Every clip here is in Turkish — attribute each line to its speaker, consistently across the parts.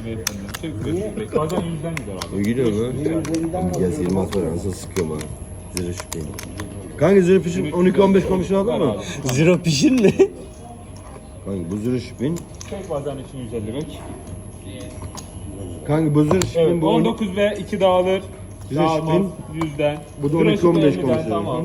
Speaker 1: beyefendi. Çek 500 bazen 100'den gider abi.
Speaker 2: Gidiyor lan. Gel Yılmaz var nasıl sıkıyor bana. Zırh şüpheli. Kanka zırh pişin 12-15 komisyon aldın mı?
Speaker 3: Zero pişin mi?
Speaker 2: Kanka bu zırh şüphin.
Speaker 1: Çek bazen için 150 bek.
Speaker 2: Kanka bu zırh şüphin
Speaker 1: Evet,
Speaker 2: bu
Speaker 1: 19 ve 2 dağılır.
Speaker 2: Zırh
Speaker 1: Dağılmaz
Speaker 2: şüphin.
Speaker 1: 100'den.
Speaker 2: Bu da
Speaker 1: Zırh
Speaker 2: 12-15
Speaker 1: şüphin 50'den,
Speaker 2: komisyon.
Speaker 1: Tamam.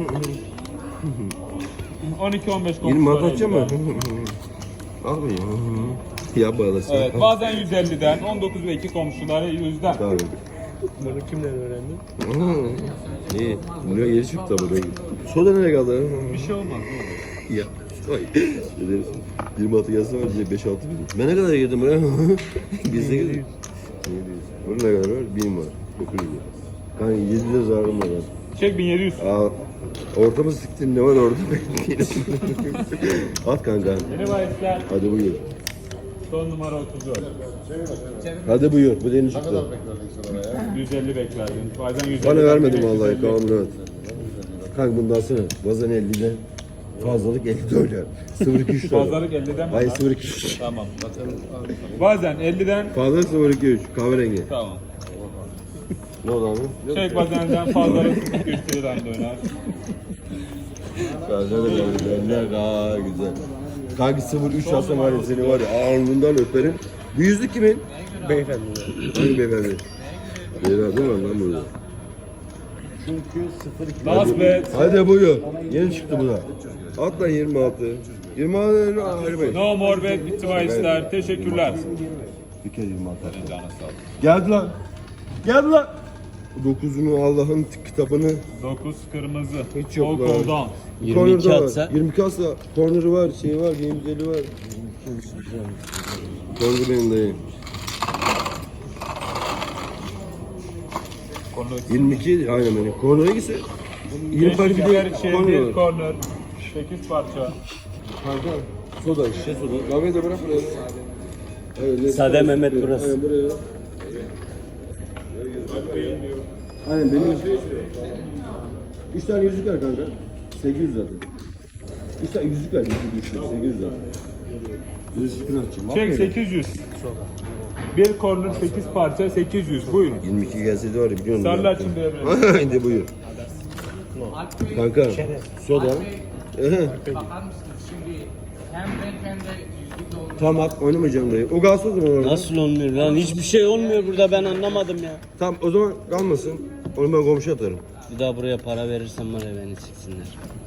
Speaker 1: 12-15 komisyon.
Speaker 2: 20 atacak mı? Al mı ya? Ya bağlasın.
Speaker 1: Evet, bazen 150'den, 19 ve 2 komşuları 100'den.
Speaker 2: Tabii.
Speaker 3: Bunu kimden öğrendin?
Speaker 2: İyi. Buraya yeri çıktı buraya. Soda nereye kaldı?
Speaker 1: Bir şey olmaz.
Speaker 2: Ya. Ay. 26 gelse var diye 5-6 bin. Ben ne kadar girdim buraya? Bizde girdim. Bunun ne kadar var? 1000 var. 900 var. Kanka 7 lira zararım var.
Speaker 1: Çek 1700.
Speaker 2: Aa, ortamı siktin ne var orada? At kanka.
Speaker 1: Yeni bahisler
Speaker 2: Hadi buyur.
Speaker 1: son numara 34.
Speaker 2: Hadi buyur. Bu da yeni çıktı.
Speaker 1: 150 beklerdin. Bazen 150.
Speaker 2: Bana vermedim vallahi. Kavamını rahat. Kanka bunu da alsana. Bazen 50'den fazlalık 50 dolar. 0-2-3 dolar.
Speaker 1: Fazlalık 50'den mi?
Speaker 2: Hayır
Speaker 1: lan?
Speaker 2: 0-2-3.
Speaker 1: Tamam. Bazen 50'den.
Speaker 2: Fazlalık 0-2-3. Kahverengi.
Speaker 1: Tamam.
Speaker 2: Ne oldu abi?
Speaker 1: Çek bazenden fazlalık 3 liradan döner.
Speaker 2: Güzel de güzel. Aa güzel. Kanka 0-3 alsam var ya seni var ya alnından öperim. Bu yüzlük kimin?
Speaker 3: Beyefendi.
Speaker 2: Hangi beyefendi? Beyefendi var lan burada.
Speaker 3: Çünkü 0-2.
Speaker 1: Last bet.
Speaker 2: Hadi buyur. Yeni çıktı bu da. At lan 26. 26 ayrı
Speaker 1: No more bet bitti bahisler. Teşekkürler.
Speaker 2: Bir kere 26.
Speaker 1: Canı sağ ol.
Speaker 2: Geldi lan. Geldi lan. 9'unu Allah'ın kitabını
Speaker 1: 9 kırmızı.
Speaker 2: Hiç yok lan.
Speaker 1: Okuldan.
Speaker 3: 22
Speaker 2: corner'da var.
Speaker 3: atsa?
Speaker 2: 22 atsa corner'ı var, şey var, gamezeli var. Corner benim dayım. 22 aynen benim. Corner'a gitse 20 parça bir de corner var.
Speaker 1: Corner. 8 parça.
Speaker 2: Kanka soda, şişe soda. Kahveyi de bırak buraya. Evet,
Speaker 3: Sade Mehmet burası.
Speaker 2: Aynen buraya. Aynen benim. 3 tane yüzük ver kanka. 800 zaten. 3 tane yüzük ver. Yüzük 800 zaten. Yüzük açayım.
Speaker 1: Çek 800. Bir corner 8 parça 800. Buyurun.
Speaker 2: 22 gelseydi var ya biliyor musun?
Speaker 1: Sarılar şimdi Emre.
Speaker 2: Haydi buyur. Kanka soda.
Speaker 4: Bakar mısınız şimdi hem renk hem de yüzlük oldu.
Speaker 2: Tamam at oynamayacağım dayı. O kalsın o zaman orada.
Speaker 3: Nasıl olmuyor lan? Hiçbir şey olmuyor burada, ben anlamadım ya.
Speaker 2: Tamam o zaman kalmasın. Onu ben komşu atarım.
Speaker 3: Bir daha buraya para verirsem var ya beni siksinler.